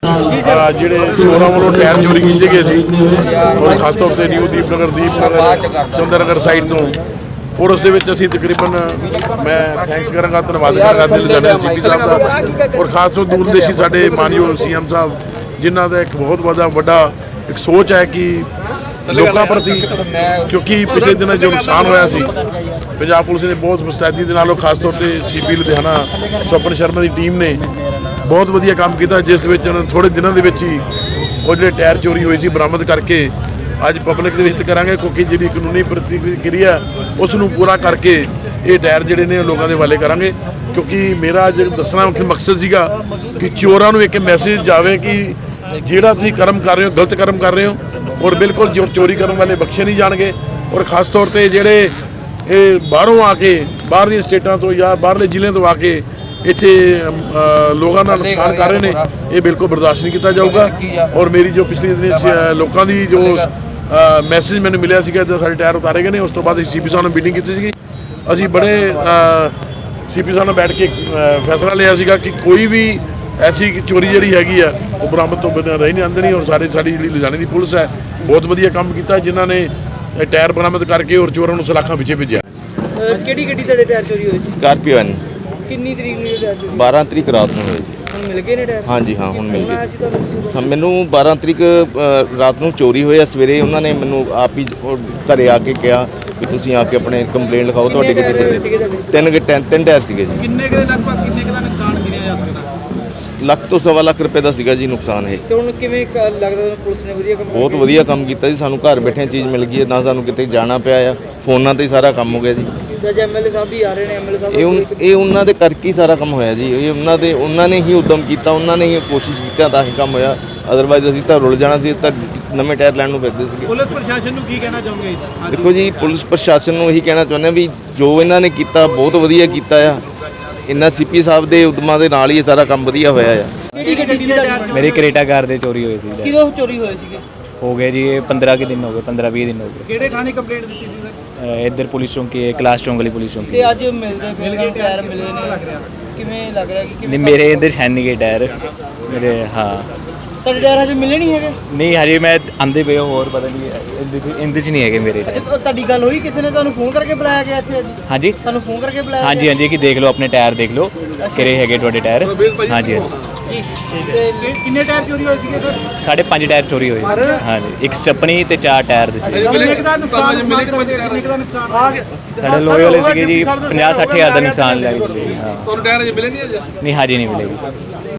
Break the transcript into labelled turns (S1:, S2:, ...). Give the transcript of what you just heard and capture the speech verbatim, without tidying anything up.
S1: ਜਿਹੜੇ ਚੋਰਾਂ ਵੱਲੋਂ ਟਾਇਰ ਚੋਰੀ ਕੀਤੇ ਗਏ ਸੀ ਔਰ ਖਾਸ ਤੌਰ ਤੇ ਨਿਊ ਦੀਪਨਗਰ ਦੀਪਨਗਰ ਚੰਦਰਨਗਰ ਸਾਈਡ ਤੋਂ ਔਰ ਉਸ ਦੇ ਵਿੱਚ ਅਸੀਂ ਤਕਰੀਬਨ ਮੈਂ ਥੈਂਕਸ ਕਰਾਂਗਾ, ਧੰਨਵਾਦ ਕਰਾਂਗਾ ਲੁਧਿਆਣਾ ਸੀ ਪੀ ਸਾਹਿਬ ਦਾ ਔਰ ਖਾਸ ਤੌਰ ਦੂਰਦੇਸ਼ੀ ਸਾਡੇ ਮਾਨਯੋਗ ਸੀ ਐਮ ਸਾਹਿਬ, ਜਿਨ੍ਹਾਂ ਦਾ ਇੱਕ ਬਹੁਤ ਵੱਡਾ ਵੱਡਾ ਇੱਕ ਸੋਚ ਹੈ ਕਿ ਲੋਕਾਂ ਪ੍ਰਤੀ, ਕਿਉਂਕਿ ਪਿਛਲੇ ਦਿਨਾਂ ਜੋ ਨੁਕਸਾਨ ਹੋਇਆ ਸੀ ਪੰਜਾਬ ਪੁਲਿਸ ਨੇ ਬਹੁਤ ਮੁਸਤੈਦੀ ਦੇ ਨਾਲ, ਖਾਸ ਤੌਰ ਤੇ ਸੀ ਪੀ ਲੁਧਿਆਣਾ ਸਵਪਨ ਸ਼ਰਮਾ ਦੀ ਟੀਮ ਨੇ ਬਹੁਤ ਵਧੀਆ ਕੰਮ ਕੀਤਾ, ਜਿਸ ਵਿੱਚ ਥੋੜੇ ਦਿਨਾਂ ਦੇ ਵਿੱਚ ਹੀ ਉਹ ਜਿਹੜੇ ਟਾਇਰ ਚੋਰੀ ਹੋਏ ਸੀ ਬਰਾਮਦ ਕਰਕੇ ਅੱਜ ਪਬਲਿਕ ਦੇ ਵਿੱਚ ਕਰਾਂਗੇ, ਕਿਉਂਕਿ ਜਿਹੜੀ ਕਾਨੂੰਨੀ ਪ੍ਰਤੀਕਿਰਿਆ ਉਸ ਨੂੰ ਪੂਰਾ ਕਰਕੇ ਇਹ ਟਾਇਰ ਜਿਹੜੇ ਨੇ ਲੋਕਾਂ ਦੇ ਹਵਾਲੇ ਕਰਾਂਗੇ। ਕਿਉਂਕਿ ਮੇਰਾ ਅੱਜ ਦੱਸਣਾ ਮਕਸਦ ਸੀਗਾ ਕਿ ਚੋਰਾਂ ਨੂੰ ਇੱਕ ਮੈਸੇਜ ਜਾਵੇ ਕਿ ਜਿਹੜਾ ਤੁਸੀਂ ਕਰਮ ਕਰ ਰਹੇ ਹੋ ਗਲਤ ਕਰਮ ਕਰ ਰਹੇ ਹੋ ਔਰ ਬਿਲਕੁਲ ਜੋ ਚੋਰੀ ਕਰਨ ਵਾਲੇ ਬਖਸ਼ੇ ਨਹੀਂ ਜਾਣਗੇ। ਔਰ ਖਾਸ ਤੌਰ ਤੇ ਜਿਹੜੇ ਇਹ ਬਾਹਰੋਂ ਆ ਕੇ ਬਾਹਰਲੀਆਂ ਸਟੇਟਾਂ ਤੋਂ ਜਾਂ ਬਾਹਰਲੇ ਜ਼ਿਲ੍ਹਿਆਂ ਤੋਂ ਆ ਕੇ ਇੱਥੇ ਲੋਕਾਂ ਦਾ ਨੁਕਸਾਨ ਕਰ ਰਹੇ ਨੇ, ਇਹ ਬਿਲਕੁਲ ਬਰਦਾਸ਼ਤ ਨਹੀਂ ਕੀਤਾ ਜਾਊਗਾ। ਔਰ ਮੇਰੀ ਜੋ ਪਿਛਲੇ ਦਿਨ ਲੋਕਾਂ ਦੀ ਜੋ ਮੈਸੇਜ ਮੈਨੂੰ ਮਿਲਿਆ ਸੀਗਾ ਜਦ ਸਾਡੇ ਟਾਇਰ ਉਤਾਰੇ ਗਏ ਨੇ, ਉਸ ਤੋਂ ਬਾਅਦ ਅਸੀਂ ਸੀ ਪੀ ਸਾਹਿਬ ਨਾਲ ਮੀਟਿੰਗ ਕੀਤੀ ਸੀਗੀ। ਅਸੀਂ ਬੜੇ ਸੀ ਪੀ ਸਾਹਿਬ ਨਾਲ ਬੈਠ ਕੇ ਫੈਸਲਾ ਲਿਆ ਸੀਗਾ ਕਿ ਕੋਈ ਵੀ ਐਸੀ ਚੋਰੀ ਜਿਹੜੀ ਹੈਗੀ ਆ ਉਹ ਬਰਾਮਦ ਤੋਂ ਬਿਨਾਂ ਰਹਿ ਨਹੀਂ ਆਂਦਣੀ। ਔਰ ਸਾਰੇ ਸਾਡੀ ਜਿਹੜੀ ਲੁਧਿਆਣੇ ਦੀ ਪੁਲਿਸ ਹੈ ਬਹੁਤ ਵਧੀਆ ਕੰਮ ਕੀਤਾ, ਜਿਨ੍ਹਾਂ ਨੇ ਟਾਇਰ ਬਰਾਮਦ ਕਰਕੇ ਔਰ ਚੋਰਾਂ ਨੂੰ ਸਲਾਖਾਂ ਪਿੱਛੇ ਭੇਜਿਆ।
S2: ਕਿਹੜੀ ਗੱਡੀ ਤੁਹਾਡੇ ਟਾਇਰ ਚੋਰੀ ਹੋਏ ਸੀ?
S3: ਸਕਾਰਪੀਓ ਐਨ।
S2: ਕਿੰਨੀ ਤਰੀਕ ਨੂੰ ਟਾਇਰ ਚੋਰੀ?
S3: ਬਾਰਾਂ ਤਰੀਕ ਰਾਤ ਨੂੰ ਹੋਏ ਜੀ।
S2: ਹੁਣ ਮਿਲ ਗਏ ਨੇ ਟਾਇਰ?
S3: ਹਾਂਜੀ ਹਾਂ, ਹੁਣ ਮਿਲ ਗਏ। ਹਾਂ, ਮੈਨੂੰ ਬਾਰਾਂ ਤਰੀਕ ਰਾਤ ਨੂੰ ਚੋਰੀ ਹੋਇਆ, ਸਵੇਰੇ ਉਹਨਾਂ ਨੇ ਮੈਨੂੰ ਆਪ ਹੀ ਘਰੇ ਆ ਕੇ ਕਿਹਾ ਕਿ ਤੁਸੀਂ ਆ ਕੇ ਆਪਣੇ ਕੰਪਲੇਂਟ ਲਿਖਾਓ, ਤੁਹਾਡੇ ਕਿਤੇ ਤਿੰਨ ਤਿੰਨ ਤਿੰਨ ਟਾਇਰ ਸੀਗੇ ਜੀ।
S4: ਕਿੰਨੇ ਕੁ ਲਗਭਗ ਕਿੰਨੇ ਕੁ ਦਾ ਨੁਕਸਾਨ ਗਿਣਿਆ ਜਾ ਸਕਦਾ?
S3: ਲੱਖ ਤੋਂ ਸਵਾ ਲੱਖ ਰੁਪਏ ਦਾ ਸੀਗਾ ਜੀ ਨੁਕਸਾਨ ਇਹ।
S2: ਤੇ ਹੁਣ ਕਿਵੇਂ ਲੱਗਦਾ ਪੁਲਿਸ ਨੇ ਵਧੀਆ ਕੰਮ
S3: ਬਹੁਤ ਵਧੀਆ ਕੰਮ ਕੀਤਾ ਜੀ, ਸਾਨੂੰ ਘਰ ਬੈਠੇ ਚੀਜ਼ ਮਿਲ ਗਈ ਹੈ, ਨਾ ਸਾਨੂੰ ਕਿਤੇ ਜਾਣਾ ਪਿਆ ਆ, ਫੋਨਾਂ ਤੇ ਹੀ ਸਾਰਾ ਕੰਮ ਹੋ ਗਿਆ ਜੀ।
S2: ਐਮ ਐਲ ਏ ਸਾਹਿਬ ਵੀ ਆ ਰਹੇ ਨੇ, ਐਮ ਐਲ ਏ ਸਾਹਿਬ
S3: ਇਹ ਇਹ ਉਹਨਾਂ ਦੇ ਕਰਕੇ ਹੀ ਸਾਰਾ ਕੰਮ ਹੋਇਆ ਜੀ। ਇਹ ਉਹਨਾਂ ਦੇ ਉਹਨਾਂ ਨੇ ਹੀ ਉਦਮ ਕੀਤਾ, ਉਹਨਾਂ ਨੇ ਹੀ ਕੋਸ਼ਿਸ਼ ਕੀਤੀ ਤਾਂ ਹੀ ਕੰਮ ਹੋਇਆ, ਅਦਰਵਾਈਜ਼ ਅਸੀਂ ਤਾਂ ਰੁਲ ਜਾਣਾ ਸੀ, ਤਾਂ ਨਵੇਂ ਟਾਇਰ ਲੈਣ ਨੂੰ ਫਿਰਦੇ ਸੀਗੇ।
S4: ਪੁਲਿਸ ਪ੍ਰਸ਼ਾਸਨ ਨੂੰ ਕੀ ਕਹਿਣਾ ਚਾਹੋਗੇ ਇਸ?
S3: ਦੇਖੋ ਜੀ, ਪੁਲਿਸ ਪ੍ਰਸ਼ਾਸਨ ਨੂੰ ਇਹੀ ਕਹਿਣਾ ਚਾਹੁੰਦੇ ਵੀ ਜੋ ਇਹਨਾਂ ਨੇ ਕੀਤਾ ਬਹੁਤ ਵਧੀਆ ਕੀਤਾ ਆ, ਇਹਨਾਂ ਸੀ ਪੀ ਸਾਹਿਬ ਦੇ ਉਦਮਾਂ ਦੇ ਨਾਲ ਹੀ ਇਹ ਸਾਰਾ ਕੰਮ ਵਧੀਆ ਹੋਇਆ ਆ।
S2: ਕਿਹੜੀ ਗੱਡੀ ਸੀ ਤੁਹਾਡੀ?
S5: ਮੇਰੀ ਕਰੇਟਾ ਕਾਰ ਦੇ ਚੋਰੀ ਹੋਈ ਸੀ।
S2: ਕਿਦੋਂ ਚੋਰੀ ਹੋਏ ਸੀਗੇ?
S5: ਹੋ ਗਏ ਜੀ ਇਹ ਪੰਦਰਾਂ ਕੁ ਦਿਨ ਹੋ ਗਏ, ਪੰਦਰਾਂ ਵੀਹ ਦਿਨ ਹੋ ਗਏ।
S4: ਕਿਹੜੇ ਥਾਣੇ ਕੰਪਲੇਂਟ ਦਿੱਤੀ ਸੀ ਸਰ?
S5: ਇੱਧਰ ਪੁਲਿਸ ਚੌਂਕੀ ਹੈ, ਕਲਾਸ ਚੌਂਕ ਵਾਲੀ ਪੁਲਿਸ ਚੌਂਕੀ।
S2: ਤੇ ਅੱਜ ਮਿਲਦੇ ਮਿਲ ਗਏ ਟਾਇਰ ਮਿਲੇ ਨੇ, ਲੱਗ ਰਿਹਾ ਕਿਵੇਂ ਲੱਗ ਰਿਹਾ ਕਿ
S5: ਨਹੀਂ, ਮੇਰੇ ਇੱਧਰ ਹੈ ਨਹੀਂ ਗਏ ਟਾਇਰ ਮੇਰੇ। ਹਾਂ,
S2: ਤੁਹਾਡੇ ਟਾਇਰ ਹਜੇ ਮਿਲੇ ਨਹੀਂ ਹੈਗੇ?
S5: ਨਹੀਂ ਹਜੇ ਮੈਂ ਆਂਦੇ ਪਏ ਹੋਰ ਪਤਾ ਨਹੀਂ ਇਹਦੇ 'ਚ ਨਹੀਂ ਹੈਗੇ ਮੇਰੇ ਟਾਇਰ।
S2: ਤੁਹਾਡੀ ਗੱਲ ਹੋਈ ਕਿਸੇ ਨੇ ਤੁਹਾਨੂੰ ਫੋਨ ਕਰਕੇ ਬੁਲਾਇਆ ਗਿਆ ਇੱਥੇ?
S5: ਹਾਂਜੀ,
S2: ਤੁਹਾਨੂੰ ਫੋਨ ਕਰਕੇ ਬੁਲਾਇਆ?
S5: ਹਾਂਜੀ ਹਾਂਜੀ, ਕਿ ਦੇਖ ਲਓ ਆਪਣੇ ਟਾਇਰ ਦੇਖ ਲਓ ਕਿਹੜੇ ਹੈਗੇ ਤੁਹਾਡੇ ਟਾਇਰ। ਹਾਂਜੀ
S4: ਜੀ, ਕਿੰਨੇ ਟਾਇਰ ਚੋਰੀ ਹੋਏ ਸੀਗੇ ਸਰ?
S5: ਸਾਢੇ ਪੰਜ ਟਾਇਰ ਚੋਰੀ ਹੋਏ। ਹਾਂਜੀ, ਇੱਕ ਸਟੱਪਣੀ ਤੇ ਚਾਰ ਟਾਇਰ ਦਿੱਤੇ।
S4: ਕਿੰਨੇ ਦਾ ਨੁਕਸਾਨ ਕਿੰਨੇ ਦਾ ਨੁਕਸਾਨ ਆ ਗਿਆ?
S5: ਸਾਡੇ ਲੋਹੇ ਵਾਲੇ ਸੀਗੇ ਜੀ ਪੰਜਾਹ ਸੱਠ ਹਜ਼ਾਰ ਦਾ ਨੁਕਸਾਨ ਲੈ ਗਏ। ਹਾਂ,
S4: ਤੁਹਾਨੂੰ ਟਾਇਰ ਅਜੇ ਮਿਲੇ ਨਹੀਂ ਅਜੇ?
S5: ਨਹੀਂ ਹਜੇ ਨਹੀਂ ਮਿਲੇਗੀ।